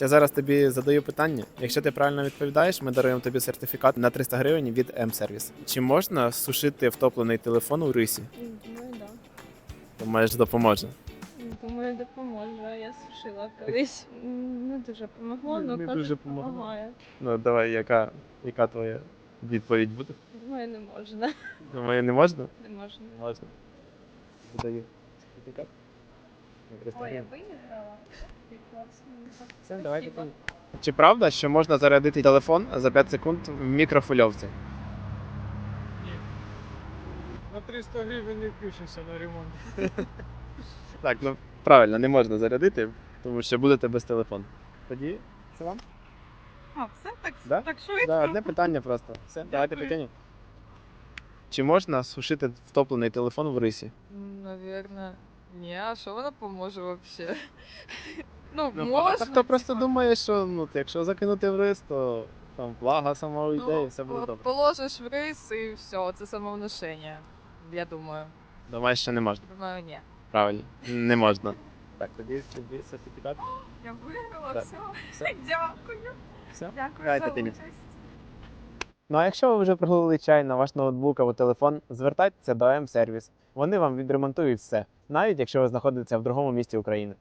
Я зараз тобі задаю питання. Якщо ти правильно відповідаєш, ми даруємо тобі сертифікат на 300 гривень від М-сервіс. Чи можна сушити втоплений телефон у рисі? Думаю, да. Думаєш, допоможе? Думаю, допоможе. Я сушила колись. Не дуже помогло, Не але дуже кажуть, помогло. допомагає. Ну давай, яка твоя відповідь буде? Думаю, не можна. Думаю, не можна? Не можна. Можна. Видаю сертифікат. Ой, я виграла. Все, давай питання. Чи правда, що можна зарядити телефон за 5 секунд в мікрофильовці? На 300 гривень не включишся на ремонт. Так, ну правильно, не можна зарядити, тому що будете без телефону. Тоді це вам? А, все так, Да? так швидко? Да, одне питання просто. Все, давайте прикинь. Чи можна сушити втоплений телефон в рисі? Наверное, не, а що вона поможе вообще? Ну, Ну, можна. хто просто думає, що якщо закинути в рис, то там влага сама уйде і все буде добре. Положиш в рис і все, це самовнушення, я думаю. Думаєш, що не можна? Думаю, ні. Правильно, не можна. Так, тоді сертифікат. Я виграла, Так. все. Все. Дякую. Все. Дякую Давайте, за Тині. участь. Ну а якщо ви вже пролили чай на ваш ноутбук або телефон, звертайтеся до М-сервіс. Вони вам відремонтують все, навіть якщо ви знаходитеся в другому місті України.